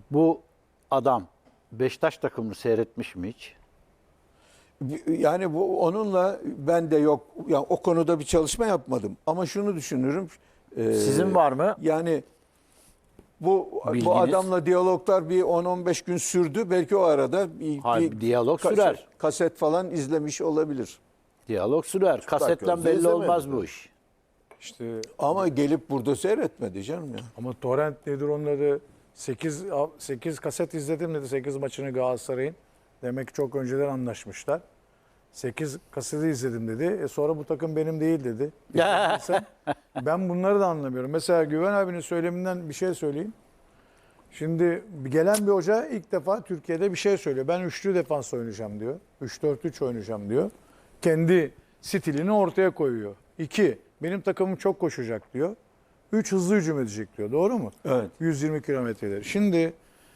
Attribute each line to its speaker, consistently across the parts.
Speaker 1: Bu adam Beşiktaş takımını seyretmiş mi hiç?
Speaker 2: Yani bu onunla ben de yok. Yani o konuda bir çalışma yapmadım. Ama şunu düşünürüm.
Speaker 1: Sizin var mı?
Speaker 2: Yani bu
Speaker 1: Bilginiz?
Speaker 2: adamla diyaloglar bir 10-15 gün sürdü. Belki o arada
Speaker 1: Hayır, diyalog sürer.
Speaker 2: Kaset falan izlemiş olabilir.
Speaker 1: Diyalog sürer. Kasetten
Speaker 3: gözle
Speaker 1: belli
Speaker 3: izlemedi
Speaker 1: olmaz
Speaker 3: tabii.
Speaker 1: bu iş.
Speaker 4: İşte
Speaker 2: Ama gelip burada seyretmedi canım ya.
Speaker 4: ama torrent nedir onun adı? 8 kaset izledim dedi 8 maçını Galatasaray'ın. Demek ki çok önceden anlaşmışlar. 8 kaseti izledim dedi. Sonra bu takım benim değil dedi. Ben bunları da anlamıyorum. Mesela Güven abinin söyleminden bir şey söyleyeyim. Şimdi gelen bir hoca ilk defa Türkiye'de bir şey söylüyor. Ben üçlü defans oynayacağım diyor. 3-4-3 oynayacağım diyor. Kendi stilini ortaya koyuyor. 2. Benim takımım çok koşacak diyor. 3. Hızlı hücum edecek diyor. Doğru mu?
Speaker 2: Evet.
Speaker 4: 120 kilometreleri. Şimdi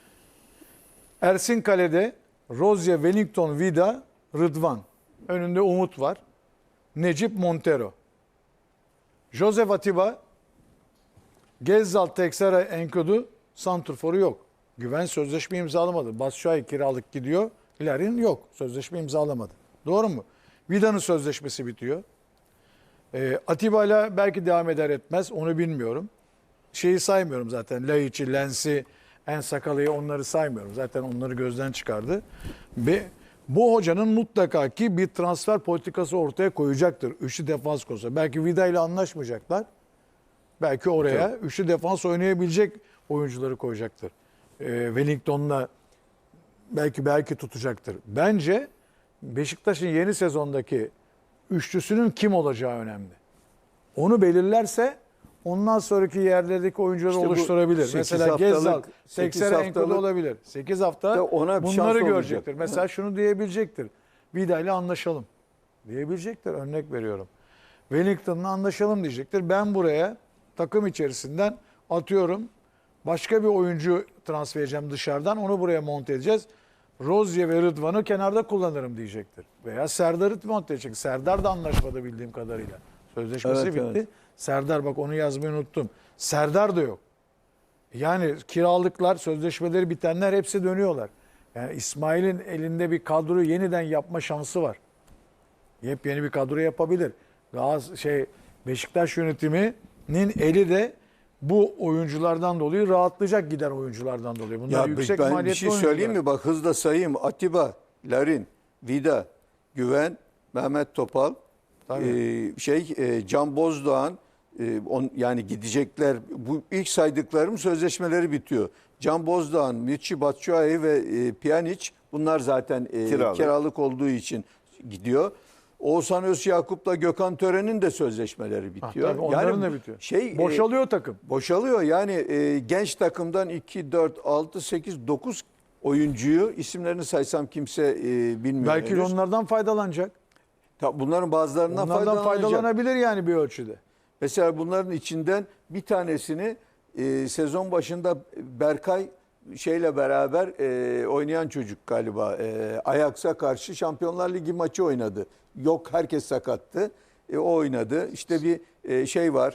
Speaker 4: Ersin Kale'de Rozier, Wellington, Vida, Rıdvan. Önünde Umut var. Necip Montero. Josef Atiba, Gezzal, Texera, Enkudu, santrforu yok. Güven sözleşme imzalamadı. Batshuayi kiralık gidiyor. Larin yok. Sözleşme imzalamadı. Doğru mu? Vida'nın sözleşmesi bitiyor. Atiba'yla belki devam eder etmez. Onu bilmiyorum. Şeyi saymıyorum zaten. Laiç'i, Lens'i, En Sakalı'yı onları saymıyorum. Zaten onları gözden çıkardı. Ve bu hocanın mutlaka ki bir transfer politikası ortaya koyacaktır. Üçlü defans konusu. Belki Vida ile anlaşmayacaklar. Belki oraya üçlü defans oynayabilecek oyuncuları koyacaktır. Wellington'la belki tutacaktır. Bence Beşiktaş'ın yeni sezondaki üçlüsünün kim olacağı önemli. Onu belirlerse ondan sonraki yerlerdeki oyuncuları
Speaker 2: İşte bu
Speaker 4: oluşturabilir.
Speaker 2: 8
Speaker 4: Mesela
Speaker 2: haftalık-
Speaker 4: Gezzal,
Speaker 2: 8
Speaker 4: 80 Enkudu
Speaker 2: haftalık
Speaker 4: olabilir. 8 hafta
Speaker 2: ona bir şans
Speaker 4: bunları
Speaker 2: olacak.
Speaker 4: görecektir. Mesela şunu diyebilecektir. Vida ile anlaşalım diyebilecektir. Örnek veriyorum. Wellington'la anlaşalım diyecektir. Ben buraya takım içerisinden atıyorum başka bir oyuncu transfer edeceğim dışarıdan. Onu buraya monte edeceğiz. Rozier ve Rıdvan'ı kenarda kullanırım diyecektir. Veya Serdar'ı monte edecek. Serdar da anlaşmadı bildiğim kadarıyla. Sözleşmesi
Speaker 2: Evet,
Speaker 4: bitti.
Speaker 2: evet.
Speaker 4: Serdar bak onu yazmayı unuttum. Serdar da yok. Yani kiralıklar, sözleşmeleri bitenler hepsi dönüyorlar. Yani İsmail'in elinde bir kadroyu yeniden yapma şansı var. Yepyeni bir kadro yapabilir. Beşiktaş yönetiminin eli de bu oyunculardan dolayı rahatlayacak giden oyunculardan dolayı. Bunlar
Speaker 2: Ya
Speaker 4: yüksek
Speaker 2: ben bir
Speaker 4: maliyetli
Speaker 2: şey
Speaker 4: oyuncular.
Speaker 2: söyleyeyim mi? Bak hızla sayayım. Atiba, Larin, Vida, Güven, Mehmet Topal, Can Bozdoğan, yani gidecekler. Bu ilk saydıklarım sözleşmeleri bitiyor. Can Bozdoğan, Michy Batshuayi ve Pjanic bunlar zaten kiralık olduğu için gidiyor. Oğuzhan Özyakup'la Gökhan Tören'in de sözleşmeleri bitiyor.
Speaker 4: Tabii onların da bitiyor. Boşalıyor takım.
Speaker 2: Boşalıyor. Yani genç takımdan 2, 4, 6, 8, 9 oyuncuyu isimlerini saysam kimse bilmiyor.
Speaker 4: Belki
Speaker 2: henüz.
Speaker 4: onlardan faydalanacak.
Speaker 2: Bunların bazılarından
Speaker 4: Onlardan faydalanabilir yani bir ölçüde.
Speaker 2: Mesela bunların içinden bir tanesini sezon başında Berkay şeyle beraber oynayan çocuk galiba. Ajax'a karşı Şampiyonlar Ligi maçı oynadı. Yok herkes sakattı. O oynadı. İşte bir şey var.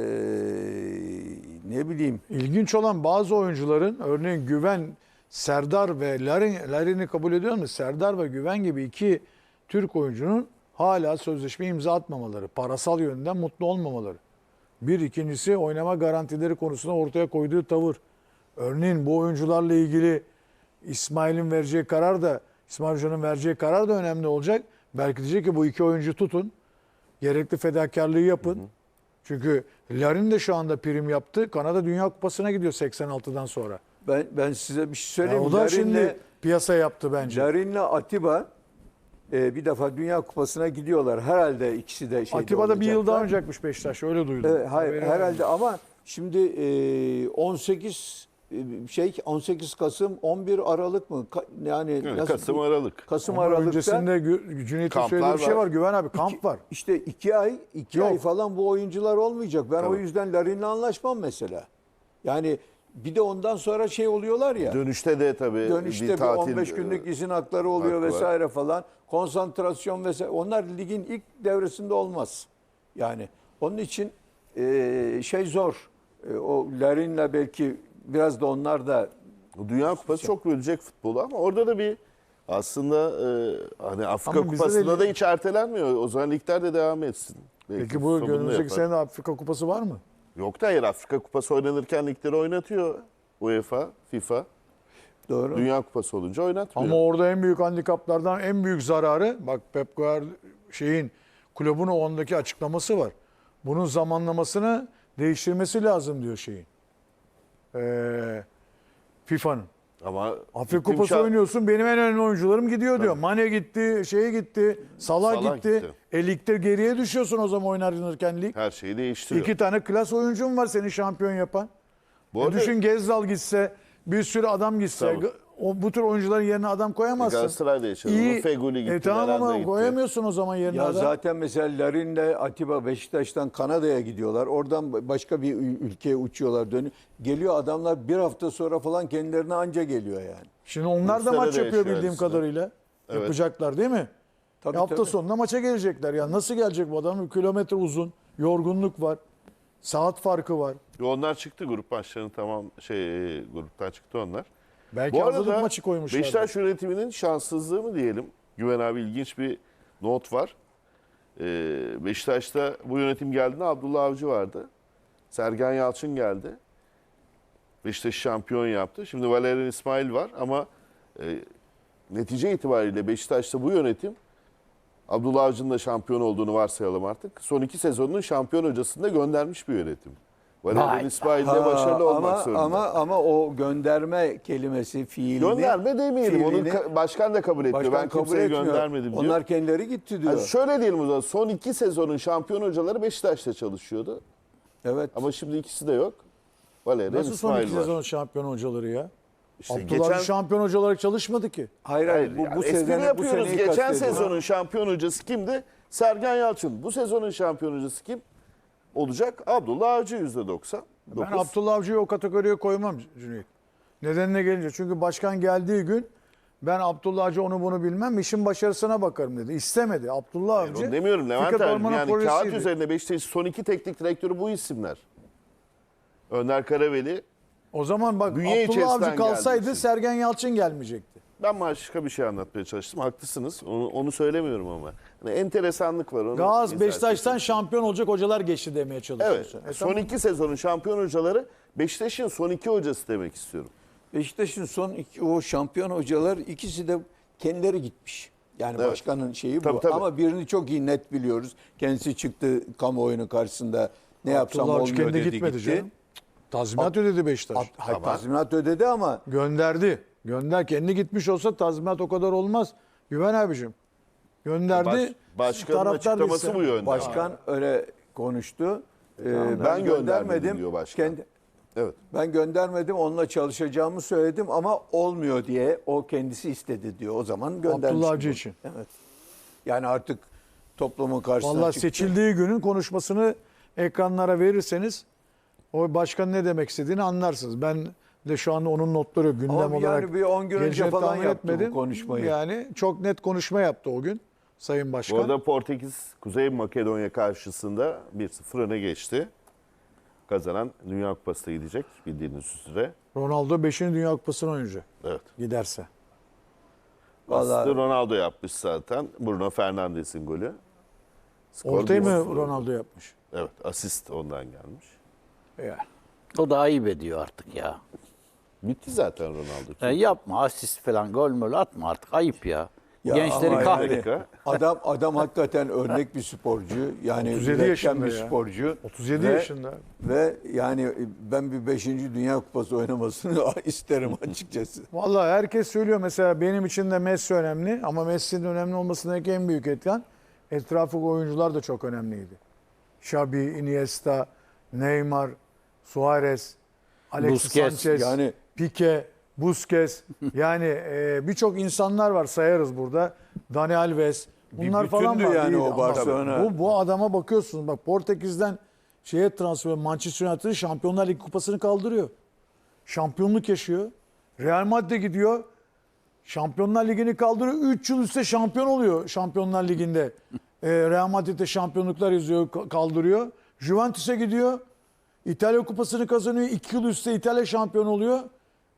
Speaker 2: Ne bileyim.
Speaker 4: İlginç olan bazı oyuncuların örneğin Güven, Serdar ve Larin'i kabul ediyor musun? Serdar ve Güven gibi iki Türk oyuncunun hala sözleşme imza atmamaları, parasal yönden mutlu olmamaları. İkincisi oynama garantileri konusunda ortaya koyduğu tavır. Örneğin bu oyuncularla ilgili İsmail Hoca'nın vereceği karar da önemli olacak. Belki diyecek ki bu iki oyuncu tutun, gerekli fedakarlığı yapın. Çünkü Larin de şu anda prim yaptı. Kanada Dünya Kupası'na gidiyor 86'dan sonra.
Speaker 2: Ben size bir şey söyleyeyim.
Speaker 4: O da şimdi piyasa yaptı bence.
Speaker 2: Larin'le Atiba bir defa Dünya Kupası'na gidiyorlar. Herhalde ikisi de
Speaker 4: Atiba da bir yıl daha
Speaker 2: olacaklar.
Speaker 4: oynayacakmış Beşiktaş. Öyle duydum.
Speaker 2: Hayır, herhalde ama şimdi 18 Kasım 11 Aralık mı? Yani
Speaker 3: Evet,
Speaker 2: nasıl?
Speaker 3: Kasım-Aralık.
Speaker 2: Kasım
Speaker 4: Ama
Speaker 2: Aralık'ta
Speaker 4: öncesinde Cüneyt'in
Speaker 3: Kamplar
Speaker 4: söylediği bir şey
Speaker 3: var.
Speaker 4: var. Güven abi kamp var.
Speaker 2: İşte 2 ay
Speaker 4: Yok.
Speaker 2: falan bu oyuncular olmayacak. Ben o
Speaker 3: Tabii.
Speaker 2: yüzden Larin'le anlaşmam mesela. Yani bir de ondan sonra şey oluyorlar ya.
Speaker 3: Dönüşte de tabii
Speaker 2: Dönüşte bir
Speaker 3: tatil
Speaker 2: 15 günlük izin hakları oluyor
Speaker 3: hakkı var.
Speaker 2: vesaire falan. Konsantrasyon vesaire. Onlar ligin ilk devresinde olmaz. Yani onun için şey zor. O Larin'le belki biraz da onlar da
Speaker 3: Dünya Kupası çok bölecek futbolu ama orada da bir aslında hani Afrika
Speaker 4: Ama bizde
Speaker 3: Kupası'nda
Speaker 4: de-
Speaker 3: da hiç ertelenmiyor. O zaman ligler de devam etsin. Belki
Speaker 4: Peki bu
Speaker 3: sonunda
Speaker 4: önümüzdeki
Speaker 3: yapar.
Speaker 4: sene de Afrika Kupası var mı?
Speaker 3: Yok da hayır, Afrika Kupası oynanırken ligleri oynatıyor. UEFA, FIFA.
Speaker 2: Doğru.
Speaker 3: Dünya Kupası olunca oynatmıyor.
Speaker 4: Ama orada en büyük handikaplardan en büyük zararı, bak Pep Guardiola kulübün o ondaki açıklaması var. Bunun zamanlamasını değiştirmesi lazım diyor FIFA'nın.
Speaker 3: Ama
Speaker 4: Afrika
Speaker 3: gittim
Speaker 4: Kupası oynuyorsun, benim en önemli oyuncularım gidiyor diyor. Mane gitti, gitti, Salah
Speaker 3: Salah
Speaker 4: gitti.
Speaker 3: gitti.
Speaker 4: Ligde geriye düşüyorsun o zaman oynarken lig.
Speaker 3: her şeyi değiştiriyor.
Speaker 4: 2 tane klas oyuncun var seni şampiyon yapan.
Speaker 3: Bu arada
Speaker 4: Düşün Gezzal gitse, bir sürü adam gitse,
Speaker 3: Tabii.
Speaker 4: bu tür oyuncuların yerine adam koyamazsın.
Speaker 3: Galatasaray'da yaşadı.
Speaker 4: İyi.
Speaker 3: Feguli gitti.
Speaker 4: Tamam
Speaker 3: Nerede
Speaker 4: ama
Speaker 3: gitti.
Speaker 4: koyamıyorsun o zaman yerine
Speaker 2: Ya
Speaker 4: adam.
Speaker 2: zaten mesela Larin'le Atiba Beşiktaş'tan Kanada'ya gidiyorlar. Oradan başka bir ülkeye uçuyorlar, dönüyor. Geliyor adamlar bir hafta sonra falan kendilerine anca geliyor yani.
Speaker 4: Şimdi onlar da
Speaker 3: Rusya'da
Speaker 4: maç
Speaker 3: da
Speaker 4: yapıyor
Speaker 3: yaşıyor
Speaker 4: bildiğim
Speaker 3: aslında.
Speaker 4: kadarıyla.
Speaker 3: Evet.
Speaker 4: Yapacaklar değil mi?
Speaker 2: Tabii,
Speaker 4: Hafta
Speaker 2: tabii.
Speaker 4: sonunda maça gelecekler. Ya nasıl gelecek bu adam? Kilometre uzun, yorgunluk var, saat farkı var.
Speaker 3: Onlar çıktı, grup maçlarını tamam gruptan çıktı onlar.
Speaker 4: Belki
Speaker 3: Bu
Speaker 4: hazırlık
Speaker 3: arada
Speaker 4: maçı koymuşlar.
Speaker 3: Beşiktaş yönetiminin şanssızlığı mı diyelim? Güven abi, ilginç bir not var. Beşiktaş'ta bu yönetim geldiğinde Abdullah Avcı vardı. Sergen Yalçın geldi. Beşiktaş'ı şampiyon yaptı. Şimdi Valerian İsmail var ama netice itibariyle Beşiktaş'ta bu yönetim, Abdullah Avcı'nın da şampiyon olduğunu varsayalım artık, son 2 sezonunun şampiyon hocasını da göndermiş bir yönetim. Valerian
Speaker 1: Vay.
Speaker 3: İsmail de başarılı olmak zorunda.
Speaker 2: Ama o gönderme kelimesi, fiilini...
Speaker 3: Gönderme demeyelim. Onu
Speaker 2: fiilini
Speaker 3: başkan da kabul etmiyor.
Speaker 2: başkan
Speaker 3: Ben
Speaker 2: kabul
Speaker 3: kimseye
Speaker 2: etmiyor.
Speaker 3: göndermedim diyor.
Speaker 2: Onlar kendileri gitti diyor.
Speaker 3: Yani şöyle diyelim o zaman. Son 2 sezonun şampiyon hocaları Beşiktaş'ta çalışıyordu.
Speaker 2: Evet.
Speaker 3: Ama şimdi ikisi de yok. Valerian
Speaker 4: Nasıl son
Speaker 3: İsmail
Speaker 4: 2
Speaker 3: var.
Speaker 4: sezonun şampiyon hocaları ya?
Speaker 3: İşte
Speaker 4: Abdullah
Speaker 3: geçen,
Speaker 4: Avcı şampiyon hoca olarak çalışmadı ki.
Speaker 2: Hayır
Speaker 3: hayır,
Speaker 2: bu
Speaker 3: yani espri
Speaker 2: sezonu, bu
Speaker 3: yapıyoruz.
Speaker 2: seneyi
Speaker 3: Geçen
Speaker 2: kastediyorum.
Speaker 3: sezonun şampiyon hocası kimdi? Sergen Yalçın. Bu sezonun şampiyon hocası kim olacak? Abdullah Avcı %90.
Speaker 4: Ben Abdullah Avcı'yı o kategoriye koymam Cüneyt. Nedenine gelince. Çünkü başkan geldiği gün ben Abdullah Avcı onu bunu bilmem, işin başarısına bakarım dedi. İstemedi. Abdullah Avcı.
Speaker 3: Onu demiyorum Levent
Speaker 4: Fikret
Speaker 3: abi.
Speaker 4: Orman'ın
Speaker 3: Yani kağıt
Speaker 4: projesiydi.
Speaker 3: üzerinde Beşiktaş'ın son 2 teknik direktörü bu isimler. Önder Karaveli.
Speaker 4: O zaman bak
Speaker 3: Bünye
Speaker 4: Abdullah
Speaker 3: içerisinden
Speaker 4: Avcı kalsaydı
Speaker 3: geldiği için.
Speaker 4: Sergen Yalçın gelmeyecekti.
Speaker 3: Ben başka bir şey anlatmaya çalıştım. Haklısınız. Onu söylemiyorum ama. Yani enteresanlık var. Onu
Speaker 4: Gaz
Speaker 3: izah
Speaker 4: Beşiktaş'tan
Speaker 3: etmek
Speaker 4: şampiyon olacak hocalar geçti demeye
Speaker 3: Evet.
Speaker 4: çalışıyorsun.
Speaker 3: Son
Speaker 4: Tamam.
Speaker 3: 2 sezonun şampiyon hocaları Beşiktaş'ın son 2 hocası demek istiyorum.
Speaker 2: Beşiktaş'ın son o şampiyon hocalar ikisi de kendileri gitmiş. Yani
Speaker 3: Evet.
Speaker 2: başkanın şeyi bu.
Speaker 3: Tabii, tabii.
Speaker 2: Ama birini çok iyi net biliyoruz. Kendisi çıktı kamuoyunun karşısında ne yapsam
Speaker 4: Abdullah Avcı
Speaker 2: olmuyor
Speaker 4: kendi
Speaker 2: dedi
Speaker 4: gitmedi
Speaker 2: gitti.
Speaker 4: canım. Tazminat ödedi Beşiktaş.
Speaker 2: Hayır, tazminat ödedi ama
Speaker 4: Gönderdi. Kendi gitmiş olsa tazminat o kadar olmaz. Güven abicim. Gönderdi.
Speaker 3: Başkanın
Speaker 4: taraftar
Speaker 3: açıklaması
Speaker 4: değilse.
Speaker 3: bu yönde.
Speaker 2: başkan öyle konuştu.
Speaker 3: Ben göndermedim diyor başkan. Evet.
Speaker 2: Ben göndermedim, onunla çalışacağımı söyledim ama olmuyor diye o kendisi istedi diyor. O zaman göndermiş.
Speaker 4: Abdullah Avcı
Speaker 2: gibi.
Speaker 4: için.
Speaker 2: Evet. Yani artık toplumun karşısına
Speaker 4: Vallahi
Speaker 2: çıktı.
Speaker 4: seçildiği günün konuşmasını ekranlara verirseniz o başkan ne demek istediğini anlarsınız. Ben de şu anda onun notları gündem
Speaker 2: Ama
Speaker 4: olarak
Speaker 2: yani bir 10 gün önce
Speaker 4: geleceğini
Speaker 2: falan
Speaker 4: tahmin
Speaker 2: yaptı bu konuşmayı.
Speaker 4: Yani çok net konuşma yaptı o gün Sayın
Speaker 3: Bu
Speaker 4: Başkan.
Speaker 3: arada Portekiz Kuzey Makedonya karşısında 1-0 öne geçti. Kazanan Dünya Kupası'na gidecek bildiğiniz üzere.
Speaker 4: Ronaldo 5. Dünya Kupası'nı oynayacak
Speaker 3: Evet.
Speaker 4: giderse.
Speaker 2: Vallahi-
Speaker 3: Aslında Ronaldo yapmış zaten. Bruno Fernandes'in golü. Skor
Speaker 4: Ortayı mı
Speaker 3: 1-0.
Speaker 4: Ronaldo yapmış?
Speaker 3: Evet, asist ondan gelmiş.
Speaker 4: Yani.
Speaker 1: O da ayıp ediyor artık ya.
Speaker 3: Bitti zaten Ronaldo.
Speaker 1: Yani yapma asist falan gol mol atma artık ayıp ya.
Speaker 2: Ya
Speaker 1: Gençleri
Speaker 2: ama
Speaker 1: kahret.
Speaker 2: yani adam hakikaten örnek bir sporcu. Yani
Speaker 4: 37
Speaker 2: üretken
Speaker 4: yaşında
Speaker 2: bir
Speaker 4: ya.
Speaker 2: sporcu.
Speaker 4: 37
Speaker 2: Ve-
Speaker 4: yaşında.
Speaker 2: Ve yani ben bir 5. Dünya Kupası oynamasını isterim açıkçası.
Speaker 4: Vallahi herkes söylüyor mesela benim için de Messi önemli ama Messi'nin önemli olmasındaki en büyük etken etrafındaki oyuncular da çok önemliydi. Xabi, Iniesta, Neymar, Suarez, Alexis
Speaker 1: Busquets,
Speaker 4: Sanchez,
Speaker 2: yani-
Speaker 4: Pique, Busquets yani birçok insanlar var sayarız burada. Dani Alves. Bunlar falan
Speaker 2: bütündü
Speaker 4: var.
Speaker 2: yani
Speaker 4: iyiydi
Speaker 2: o
Speaker 4: ama
Speaker 2: Barcelona.
Speaker 4: Bu adama bakıyorsunuz bak Portekiz'den transfer Manchester United'ın Şampiyonlar Ligi kupasını kaldırıyor. Şampiyonluk yaşıyor. Real Madrid gidiyor. Şampiyonlar Ligi'ni kaldırıyor. 3 yıl üstte şampiyon oluyor Şampiyonlar Ligi'nde. Real Madrid'de şampiyonluklar yazıyor, kaldırıyor. Juventus'e gidiyor. İtalya Kupası'nı kazanıyor. 2 yıl üstte İtalya şampiyon oluyor.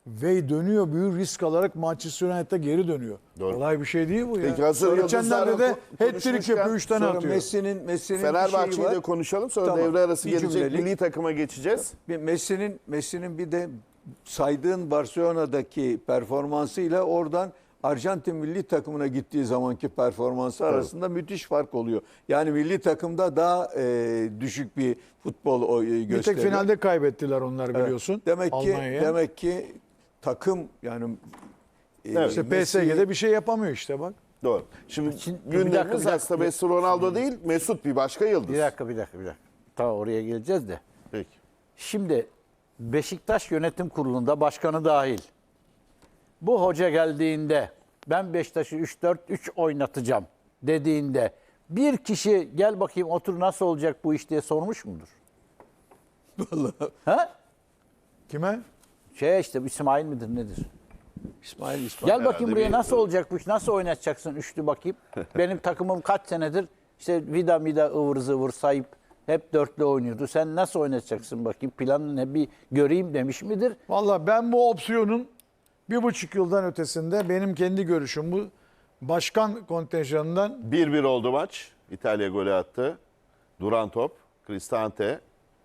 Speaker 4: ve dönüyor, büyük risk alarak Manchester United'a geri dönüyor.
Speaker 3: Doğru.
Speaker 4: Kolay bir şey değil bu ya.
Speaker 3: Peki, hazır
Speaker 4: Geçenlerde de
Speaker 3: yıldızlarla
Speaker 4: hat-trick yapıyor, 3 tane
Speaker 2: Sonra
Speaker 4: atıyor.
Speaker 2: Messi'nin bir şeyi
Speaker 3: Fenerbahçe'yi
Speaker 2: var.
Speaker 3: de konuşalım. Sonra
Speaker 2: Tamam.
Speaker 3: devre arası
Speaker 2: Bir
Speaker 3: gelecek.
Speaker 2: cümlelik.
Speaker 3: Milli takıma geçeceğiz.
Speaker 2: Messi'nin bir de saydığın Barcelona'daki performansıyla oradan Arjantin milli takımına gittiği zamanki performansı arasında müthiş fark oluyor. Yani milli takımda daha düşük bir futbol gösteriyor.
Speaker 4: Bir tek finalde kaybettiler onlar
Speaker 2: Evet.
Speaker 4: biliyorsun.
Speaker 2: Demek ki takım yani
Speaker 3: Evet.
Speaker 4: İşte
Speaker 2: Messi'yi-
Speaker 4: PSG'de bir şey yapamıyor işte bak.
Speaker 3: Doğru. Şimdi
Speaker 1: bir dakika,
Speaker 3: gündemimiz
Speaker 1: bir dakika.
Speaker 3: aslında Messi Ronaldo değil, Mesut bir başka yıldız.
Speaker 1: Bir dakika. Tamam, oraya geleceğiz de.
Speaker 3: Peki.
Speaker 1: Şimdi Beşiktaş Yönetim Kurulu'nda başkanı dahil. Bu hoca geldiğinde ben Beşiktaş'ı 3-4-3 oynatacağım dediğinde bir kişi gel bakayım otur nasıl olacak bu iş diye sormuş mudur?
Speaker 2: Vallahi
Speaker 1: Ha?
Speaker 4: Kime?
Speaker 1: İşte İsmail midir nedir?
Speaker 2: İsmail
Speaker 1: Gel bakayım buraya
Speaker 3: bir-
Speaker 1: nasıl olacak bu iş? Nasıl oynatacaksın üçlü bakayım? Benim takımım kaç senedir işte vida mida ıvır zıvır sayıp hep dörtlü oynuyordu. Sen nasıl oynatacaksın bakayım? Planın ne bir göreyim demiş midir?
Speaker 4: Valla ben bu opsiyonun 1,5 yıldan ötesinde benim kendi görüşüm bu. Başkan kontenjanından
Speaker 3: 1-1 oldu maç. İtalya golü attı. Duran top. Cristante.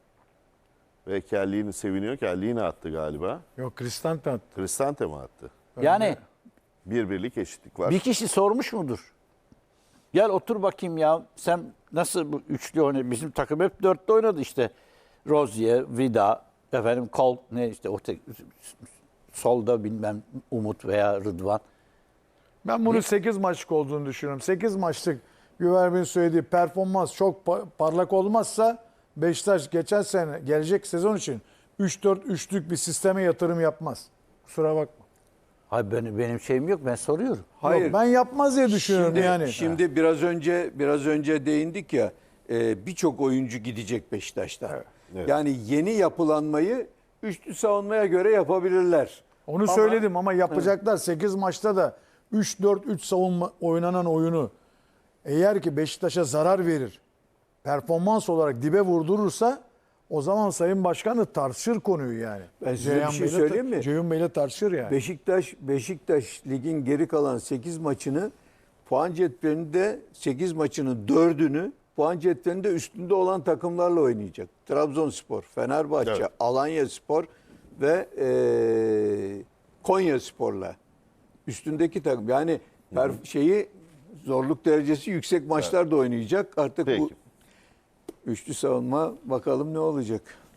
Speaker 3: Ve Chiellini seviniyor. Chiellini attı galiba.
Speaker 4: yok Cristante attı.
Speaker 3: Cristante mi attı?
Speaker 1: Yani
Speaker 3: 1-1'lik eşitlik var.
Speaker 1: bir kişi sormuş mudur? Gel otur bakayım ya. Sen nasıl bu üçlü oynuyorsun? Bizim takım hep dörtlü oynadı işte. Rozier, Vida, efendim Kol, ne işte o solda bilmem Umut veya Rıdvan.
Speaker 4: Ben bunun 8 maçlık olduğunu düşünüyorum. 8 maçlık Güvercin'in söylediği performans çok parlak olmazsa Beşiktaş geçen sene gelecek sezon için 3-4-3'lük bir sisteme yatırım yapmaz. Kusura bakma.
Speaker 1: Hayır benim şeyim yok, ben soruyorum.
Speaker 2: Hayır.
Speaker 4: Yok, ben yapmaz diye düşünüyorum yani.
Speaker 2: Şimdi biraz önce değindik ya birçok oyuncu gidecek Beşiktaş'tan.
Speaker 3: Evet.
Speaker 2: Yani yeni yapılanmayı üçlü savunmaya göre yapabilirler.
Speaker 4: Onu söyledim ama yapacaklar 8 maçta da 3-4-3 savunma oynanan oyunu eğer ki Beşiktaş'a zarar verir, performans olarak dibe vurdurursa o zaman Sayın Başkan da tartışır konuyu yani.
Speaker 2: Ben size bir şey söyleyeyim mi?
Speaker 4: Ceyhun Bey'le tartışır yani.
Speaker 2: Beşiktaş ligin geri kalan 8 maçını puan cetvelinde 8 maçının 4'ünü puan cetvelinde üstünde olan takımlarla oynayacak. Trabzonspor, Fenerbahçe,
Speaker 3: Evet.
Speaker 2: Alanyaspor ve Konyaspor'la üstündeki takım. Yani zorluk derecesi yüksek maçlar da oynayacak. Artık bu
Speaker 3: Peki.
Speaker 2: üçlü savunma bakalım ne olacak.